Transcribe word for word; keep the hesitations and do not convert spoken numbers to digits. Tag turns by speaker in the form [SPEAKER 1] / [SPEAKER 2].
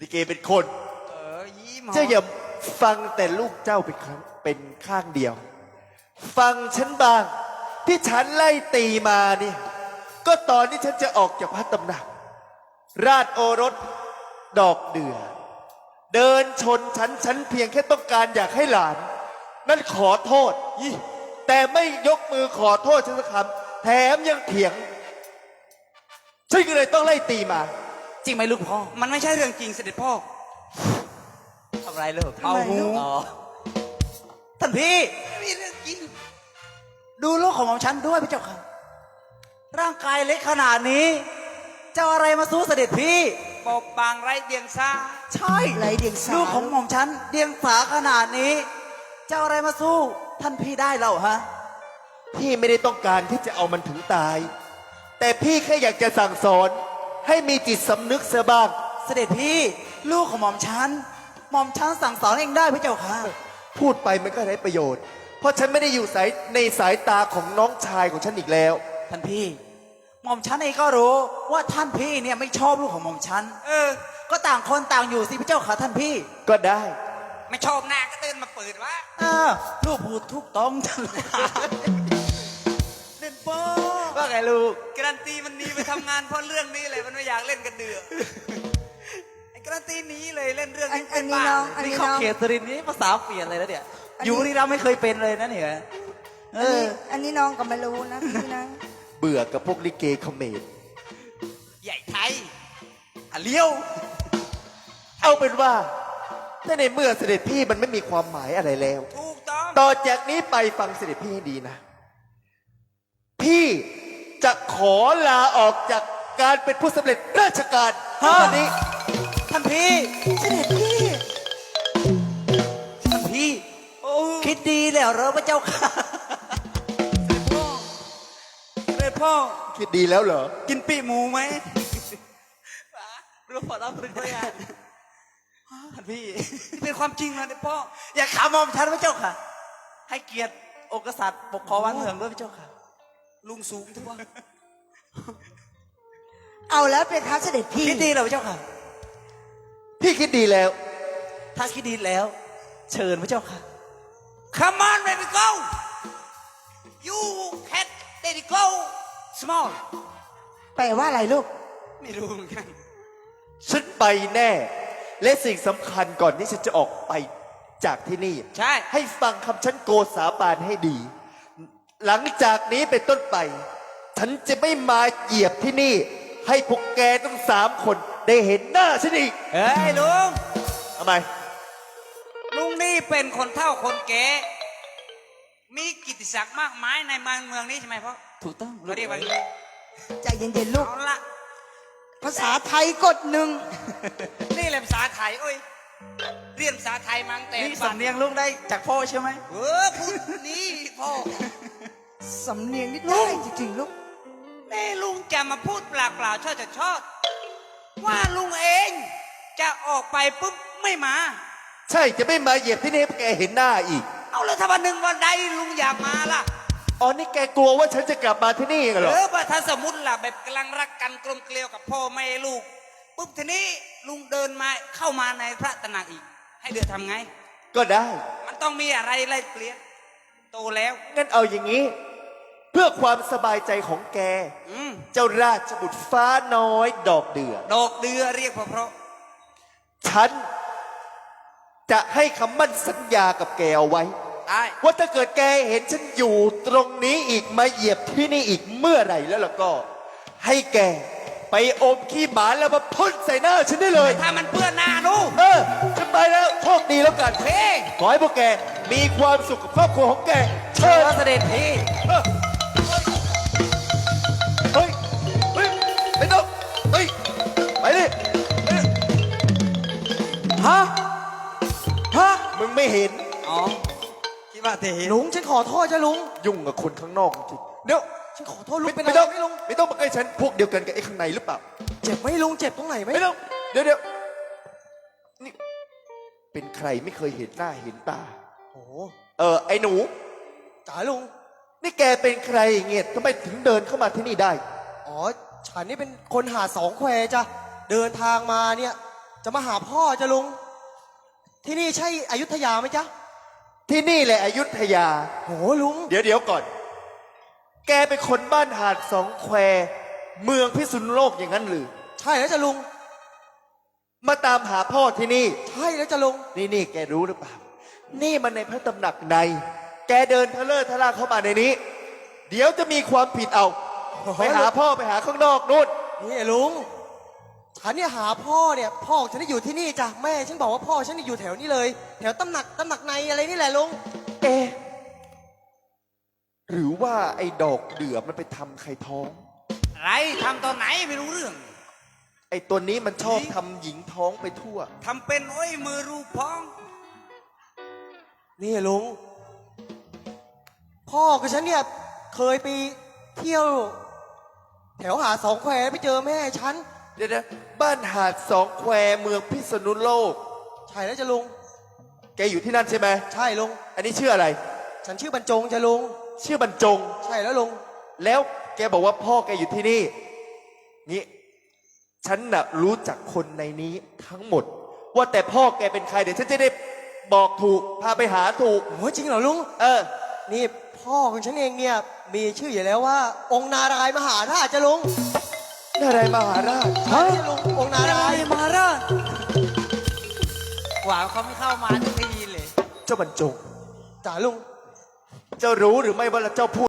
[SPEAKER 1] ลิเกเป็นคน
[SPEAKER 2] เออยิ้ม
[SPEAKER 1] เจ้าอย่าฟังแต่ลูกเจ้าเป็นครั้งเป็นข้างเดียว ฟังฉันบ้างที่ฉันไล่ตีมาเนี่ยก็ตอนที่ฉันจะออกจากพระตำหนักราชโอรสดอกเดือเดินชนฉันฉันเพียงแค่ต้องการอยากให้หลาน นั่นขอโทษยี่แต่ไม่ยกมือขอโทษฉันสักคำแถมยังเถียงฉันก็เลยต้องไล่ตีมา
[SPEAKER 3] จริงไหมลูกพ่อ
[SPEAKER 2] มันไม่ใช่เรื่องจริงเสด็จพ่อ
[SPEAKER 3] ทำไรลูก
[SPEAKER 2] เอาหู
[SPEAKER 3] อ๋อท่านพี่
[SPEAKER 2] ไม่มีเรื่องจริง
[SPEAKER 3] ดูลูกของหม่อมฉันด้วยพระเจ้าค่ะ ร่างกายเล็กขนาดนี้จะเอาอะไรมาสู้เสด็จพี่
[SPEAKER 2] บอบบางไร้เดียงสา
[SPEAKER 3] ใช่
[SPEAKER 4] ไรเดียงสา
[SPEAKER 3] ลูกของหม่อมฉันเดียงสาขนาดนี้จะเอาอะไรมาสู้ท่านพี่ได้เล่าฮะ
[SPEAKER 1] พี่ไม่ได้ต้องการที่จะเอามันถึงตาย แต่พี่แค่อยากจะสั่งสอนให้มีจิตสำนึกเสียบ้าง
[SPEAKER 3] เสด็จพี่ลูกของหม่อมฉันหม่อมฉันสั่งสอนเองได้พระเจ้าค่ะ
[SPEAKER 1] พูดไปมันก็ไร้ประโยชน์ เพราะฉันไม่ได้อยู่สายในสายตาของน้องชายของฉันอีกแล้ว
[SPEAKER 3] ท่านพี่หม่อมฉันเองก็รู้ว่าท่านพี่เนี่ยไม่ชอบลูกของหม่อมฉัน
[SPEAKER 2] เออ
[SPEAKER 3] ก็ต่างคนต่างอยู่สิพระเจ้าค่ะท่านพี่
[SPEAKER 1] ก็ได้
[SPEAKER 2] ไม่ชอบหน้าก็เดินมาเปิดวะ
[SPEAKER 3] เออลูกพูดทุกต้องจังเลยเล่นโป้ว่าไงลูก
[SPEAKER 2] การันตีมันหนีไปทำงานเพราะเรื่องนี้เลยมันไม่อยากเล่นกันเดือไอ้การันตีหนีเลยเล่นเรื่อง
[SPEAKER 4] อัน
[SPEAKER 2] นี้
[SPEAKER 4] อั
[SPEAKER 2] เป็น น
[SPEAKER 4] นี้
[SPEAKER 2] บ้า
[SPEAKER 4] น้องอัน
[SPEAKER 3] นี่
[SPEAKER 4] นี้
[SPEAKER 3] เข้า
[SPEAKER 4] น้อง
[SPEAKER 3] เขตสุรินทร์นี่ภาษาเปลี่ยนเลยแล้วเนี่ย
[SPEAKER 4] อันนี้
[SPEAKER 3] อยู่นี่เราไม่เคยเป็นเลยนะเนี่ยเอ
[SPEAKER 4] อัน
[SPEAKER 3] อ
[SPEAKER 4] นี้อันนี้น้องก็ไม่รู้นะพี่นะ
[SPEAKER 1] เบื่อกับพวกลิเกเขมร
[SPEAKER 2] ใหญ่ไทยอ่ะเลี้ยว
[SPEAKER 1] เอาเป็นว่าถ้าในเมื่อเสด็จพี่มันไม่มีความหมายอะไรแล้ว
[SPEAKER 2] ถูกต้อง
[SPEAKER 1] ต่อจากนี้ไปฟังเสด็จพี่ให้ดีนะ พี่จะขอลาออกจากการเป็นผู้สำเร็จราชการ
[SPEAKER 3] ฮะ
[SPEAKER 1] ตอนนี้
[SPEAKER 3] ท่านพี่
[SPEAKER 4] เสด็จพี่
[SPEAKER 3] ท่านพี่
[SPEAKER 2] โอ้
[SPEAKER 3] คิดดีแล้วเหรอพระเจ้าค่ะ
[SPEAKER 2] พ่อเสด็จพ่อ
[SPEAKER 1] คิดดีแล้วเหรอ
[SPEAKER 2] กินปีหมูไหม
[SPEAKER 3] รู้พอรับรึกได้ยังท่านพี่
[SPEAKER 2] นี่เป็นความจริงนะเด็กพ่อ
[SPEAKER 3] อย่าขำมอมฉันพระเจ้าค่ะ ให้เกียรติองค์กษัตริย์ปกครองบ้านเมืองด้วยพระเจ้าค่ะ
[SPEAKER 2] ลุงสูงทุกวัน
[SPEAKER 4] เอาแล้วเป็นท้าเสด็จพี่
[SPEAKER 3] คิดดีแล้วพระเจ้าค่ะ
[SPEAKER 1] พี่คิดดีแล้ว
[SPEAKER 3] ถ้าคิดดีแล้ว เชิญพระเจ้าค่ะ
[SPEAKER 2] Come on baby go you can let it go small
[SPEAKER 4] แปลว่าอะไรลูก
[SPEAKER 2] ไม่รู้เหมือนกัน
[SPEAKER 1] ฉันไปแน่ และสิ่งสำคัญก่อนที่ฉันจะออกไปจากที่นี่
[SPEAKER 2] ใช่
[SPEAKER 1] ให้ฟังคำฉันโกษาบานให้ดี หลังจากนี้เป็นต้นไป ฉันจะไม่มาเหยียบที่นี่ ให้พวกแกทั้งสามคนได้เห็นหน้าฉันอีก
[SPEAKER 2] เฮ้ยลุง
[SPEAKER 1] ทำไม
[SPEAKER 2] ลุงนี่เป็นคนเฒ่าคนแก่มีกิตติศักดิ์มากมายในเมืองนี้ใช่ไหมพ่อ
[SPEAKER 3] ถูกต้อง
[SPEAKER 2] เขาเรียกว่าอย่าง
[SPEAKER 3] ลู
[SPEAKER 2] นี้
[SPEAKER 4] ใจเย็นๆลูก
[SPEAKER 2] เอาละ
[SPEAKER 4] ภาษาไทยกดหนึ่ง
[SPEAKER 2] นี่แหละภาษาไทยโอ้ยเรียนภาษาไทยมาตั้งแต่
[SPEAKER 3] นี่สำเนียงลูกได้จากพ่อใช่ไหม
[SPEAKER 2] เออพูดนี่พ่อ
[SPEAKER 4] สำเนียงนี่ได้จริงๆลูก
[SPEAKER 2] นี่ลุงจะมาพูดเปล่าๆชอบจะชอบว่าลุงเองจะออกไปปุ๊บไม่มา
[SPEAKER 1] ใช่จะไม่มาเหยียบที่นี่ให้พวกแกเห็นหน้าอีก
[SPEAKER 2] เอาแล้วถ้าวันหนึ่งวันใดลุงอยากมาล่ะ
[SPEAKER 1] อ๋อนี่แกกลัวว่าฉันจะกลับมาที่นี่กันเหร
[SPEAKER 2] เอ
[SPEAKER 1] อ
[SPEAKER 2] อว่าถ้าสมมติล่ะแบบกำลังรักกันกลมเกลียวกับพ่อแม่ลูกปุ๊บทีนี้ลุงเดินมาเข้ามาในพระตำหนักอีก ให้เดือทำไง
[SPEAKER 1] ก็ได้
[SPEAKER 2] มันต้องมีอะไรไล่เปลี่ยนโตแล้ว
[SPEAKER 1] งั้นเอาอย่างนี้ เพื่อความสบายใจของแก
[SPEAKER 2] อืม
[SPEAKER 1] เจ้าราชบุตรฟ้าน้อยดอกเดือ
[SPEAKER 2] ดอกเดือเรียกเพราะเพราะ
[SPEAKER 1] ฉันจะให้คำมั่นสัญญากับแกเอาไว้
[SPEAKER 2] ได้
[SPEAKER 1] ว่าถ้าเกิดแกเห็นฉันอยู่ตรงนี้อีกมาเหยียบที่นี่อีกเมื่อไหร่แล้วล่ะก็ ให้แกไปอมขี้หมาแล้วมาพ่นใส่หน้าฉันได้เลย
[SPEAKER 2] ถ้ามันเปื้อนหน้าลูก
[SPEAKER 1] เออฉันไปแล้วโชคดีแล้วกัน
[SPEAKER 2] เฮ้ย
[SPEAKER 1] ขอให้พวกแกมีความสุขกับครอบครัวของแก
[SPEAKER 3] เชิ
[SPEAKER 1] เชิ
[SPEAKER 3] ญ
[SPEAKER 1] ญ
[SPEAKER 3] เสด็จพี่
[SPEAKER 1] เออเฮ้ยเฮ้ยไม่ต้องเฮ้ยไปดิเฮ้ย
[SPEAKER 3] ฮะ ฮะ
[SPEAKER 1] มึงไม่เห็น
[SPEAKER 2] อ๋อคิดว่าเท
[SPEAKER 3] ลุงฉันขอโทษจ้ะลุง
[SPEAKER 1] ยุ่งกับคนข้างนอกจริงเดี๋ยว
[SPEAKER 3] ฉันขอโทษลุง
[SPEAKER 1] ไม่
[SPEAKER 3] เป็น
[SPEAKER 1] ไม่
[SPEAKER 3] อะไร
[SPEAKER 1] ต้อง
[SPEAKER 3] ไหม่ลุง
[SPEAKER 1] ไม่ต้องมาใกล้ฉันพวกเดียวกันกับไอ้ข้างในหรือเปล่า
[SPEAKER 3] เจ็บไหมลุงเจ็บตรงไหนไหม
[SPEAKER 1] ไม่ต้องเดี๋ยวเดี๋ยวนี่เป็นใครไม่เคยเห็นหน้าเห็นตา
[SPEAKER 3] โอ้โห
[SPEAKER 1] เออไอ้หนู
[SPEAKER 3] จ๋าลุง
[SPEAKER 1] นี่แกเป็นใครเงียทำไมถึงเดินเข้ามาที่นี่ได้
[SPEAKER 5] อ๋อ ฉันนี่เป็นคนหาดสองแควจ้ะ เดินทางมาเนี่ย
[SPEAKER 3] จะมาหาพ่อจะลุง ที่นี่ใช่อยุธยาไหมจ๊ะ
[SPEAKER 1] ที่นี่แหละอยุธยา
[SPEAKER 3] โหลุง
[SPEAKER 1] เดี๋ยวเดี๋ยวก่อน แกเป็นคนบ้านหาดสองแควเมืองพิษณุโลกอย่างนั้นหรือ
[SPEAKER 3] ใช่แล้วจะลุง
[SPEAKER 1] มาตามหาพ่อที่นี่
[SPEAKER 3] ใช่แล้วจะลุง
[SPEAKER 1] นี่นี่แกรู้หรือเปล่า นี่มันในพระตำหนักใน แกเดินทะเลอะทะล่าเข้ามาในนี้ เดี๋ยวจะมีความผิดเอา ไปหาพ่อไปหาข้างนอกนู่น
[SPEAKER 3] นี่ลุง ฉันเนี่ยหาพ่อเนี่ย พ่อฉันได้อยู่ที่นี่จ้ะแม่ฉันบอกว่าพ่อฉันเนี่ยอยู่แถวนี้เลย แถวตำหนักตำหนักในอะไรนี่แหละลุง
[SPEAKER 1] เอ๊ะหรือว่าไอ้ดอกเดือมันไปทำใครท้อง
[SPEAKER 2] อะไรทำตอนไหนไม่รู้เรื่อง
[SPEAKER 1] ไอ้ตัวนี้มันชอบทำหญิงท้องไปทั่ว
[SPEAKER 2] ทำเป็นโอ้ยมือรูปพ้อง
[SPEAKER 3] นี่ลุง พ่อกับฉันเนี่ยเคยไปเที่ยว แถวหาดสองแควไปเจอแม่ฉัน
[SPEAKER 1] เดี๋ยวนะบ้านหาดสองแควเมืองพิษณุโลก
[SPEAKER 3] ใช่แล้วจะลุง
[SPEAKER 1] แกอยู่ที่นั่นใช่ไหม
[SPEAKER 3] ใช่ลุง
[SPEAKER 1] อันนี้ชื่ออะไร
[SPEAKER 3] ฉันชื่อบรรจงจะลุง
[SPEAKER 1] ชื่อบรรจง
[SPEAKER 3] ใช่แล้วลุง
[SPEAKER 1] แล้วแกบอกว่าพ่อแกอยู่ที่นี่ นี่ ฉันน่ะรู้จักคนในนี้ทั้งหมด ว่าแต่พ่อแกเป็นใครเดี๋ยวฉันจะได้บอกถูก พาไปหาถูก
[SPEAKER 3] โอ้ยจริงเหรอลุง
[SPEAKER 1] เออ
[SPEAKER 3] นี่พ่อของฉันเองเนี่ยมีชื่ออยู่แล้วว่า องค์นารายณ์มหาราชจะลุง
[SPEAKER 1] นี่อะไรมหาราช
[SPEAKER 3] ใช่ลุงองค์นารายณ์มหาราช
[SPEAKER 2] หวังเขาไม่เข้ามาทุกทีเลย
[SPEAKER 1] เจ้าบรรจง
[SPEAKER 3] จ๋าลุง
[SPEAKER 1] เจ้ารู้หรือไม่ว่าเจ้าพูด